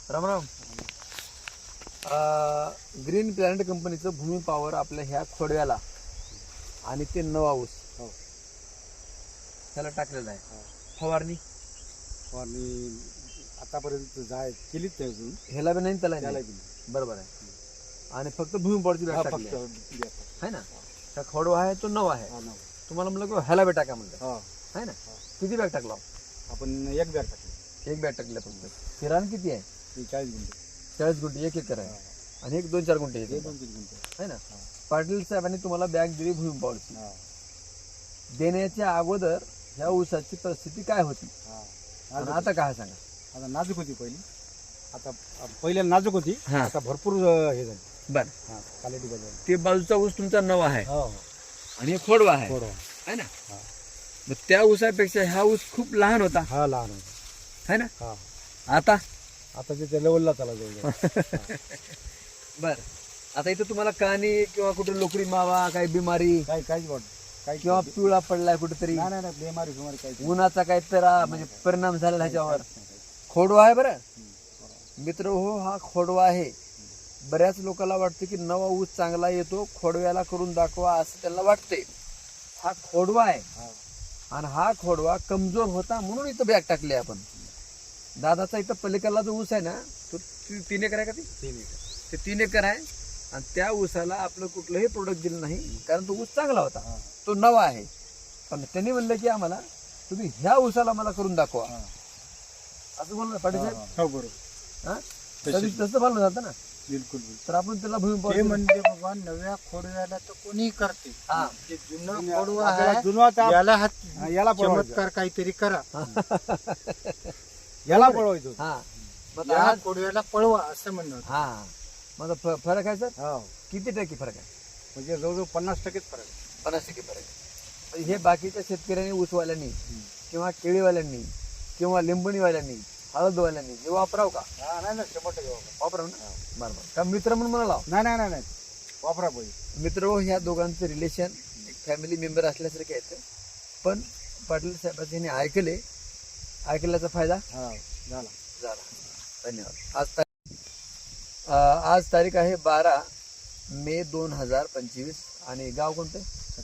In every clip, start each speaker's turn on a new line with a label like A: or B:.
A: Ram Ram. Green planet कंपनीचं भूमी power आपल्या ह्या खोडव्याला आणि ते नवा ऊस त्याला टाकलेलं आहे. फवारणी
B: आतापर्यंत केलीच नाही अजून.
A: ह्याला बी नाही त्याला
B: त्याला
A: नाही.
B: बी नाही.
A: बरोबर आहे. आणि फक्त भूमी पॉवरची बॅग टाकली आहे ना. त्या खोडवा आहे तो नवा आहे. तुम्हाला म्हणलं की ह्याला बी टाका म्हणलं आहे ना. किती बॅग टाकला
B: आपण एक बॅग टाकली.
A: एक बॅग टाकल्या फक्त. किराण किती आहे?
B: 40 गुंठे.
A: 40 गुंठे. एक एकर आहे आणि एक 2-4 गुंठे आहे
B: 2-3 गुंठे
A: है ना. पाटील साहेबांनी तुम्हाला बॅग दिली भूमी पॉवरची. देण्याच्या अगोदर ह्या ऊसाची परिस्थिती काय होती आणि आता काय सांगा?
B: आता नाजूक होती पहिली. आता पहिले नाजूक होती. आता भरपूर हे झाली.
A: बर.
B: क्वालिटी बदल.
A: ते बाजूचा ऊस तुमचा नवा आहे
B: हो
A: आणि हे खोडवा आहे
B: थोडं.
A: है ना. मग त्या ऊसापेक्षा हा ऊस खूप लहान होता
B: हा लहान होता.
A: है ना.
B: हा
A: आता
B: आता ते लेवलला चाला जाऊ.
A: बर. आता इथं तुम्हाला कानी किंवा कुठे लोकरी मावा काही बिमारी
B: काहीच वाटत काही
A: किंवा पिवळा पडलाय कुठेतरी
B: नाही बेमारी बिमारी काही
A: उन्हाचा काही तर म्हणजे परिणाम झालेला ह्याच्यावर खोडवा आहे. बरं मित्र हो, हा खोडवा आहे. बऱ्याच लोकांना वाटतं की नवा ऊस चांगला येतो, खोडव्याला करून दाखवा असं त्यांना वाटते. हा खोडवा आहे आणि हा खोडवा कमजोर होता म्हणून इथं बॅग टाकली आपण. दादाचा इथं पलीकडला जो ऊस आहे ना तो 3 एकर आहे का?
B: 3 एकर.
A: ते 3 एकर आहे आणि त्या ऊसाला आपलं कुठलंही प्रोडक्ट दिलं नाही कारण तो ऊस चांगला होता, तो नवा आहे. पण त्यांनी म्हणलं की आम्हाला तुम्ही ह्या ऊसाला मला करून दाखवा असं म्हणलं पाटील साहेब.
B: हो बरोबर.
A: हा तसं बोलणं जातं ना.
B: बिलकुल.
A: तर आपण त्याला भूमी
C: ते
A: पॉवर
C: म्हणजे बाबा नव्या खोडव्याला तर कोणी करते.
A: हा.
C: जे जुनं खोडवा आहे
B: जुनवाचा
C: याला
B: याला पळवायचं.
C: चमत्कार काहीतरी करा.
B: याला पळवायचं.
A: हा मग
C: या
A: आज
C: खोडव्याला पळवा असं म्हणणं होतं.
A: हा माझा फरक आहे सर.
B: हो
A: किती टक्के फरक आहे?
B: म्हणजे जवळजवळ 50% फरक आहे.
A: 50% फरक आहे. म्हणजे हे बाकीच्या शेतकऱ्यांनी, ऊसवाल्यांनी किंवा केळीवाल्यांनी किंवा लिंबणीवाल्यांनी, हळदवाल्यांनी हे वापराव का?
B: नाही 100%
A: वापराव ना. बरोबर. का मित्र म्हणून म्हणाला
B: नाही वापरा पाहिजे.
A: मित्र हो, ह्या दोघांचं रिलेशन एक फॅमिली मेंबर असल्यासारखे आहेत. पण पाटील साहेबांनी ह्यांनी ऐकल्याचा फायदा
B: झाला.
A: धन्यवाद. आज तारीख आहे 12 मे 2025 आणि गाव कोणतं?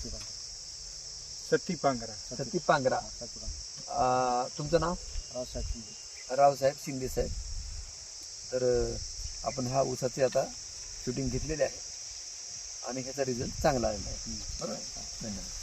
C: सती पांघरा.
A: सती पांगरा. तुमचं नाव? रावसाहेब शिंदे साहेब. तर आपण हा ऊसाचे आता शूटिंग घेतलेले आहे आणि ह्याचा रिझल्ट चांगला आलेला आहे. बरोबर. धन्यवाद.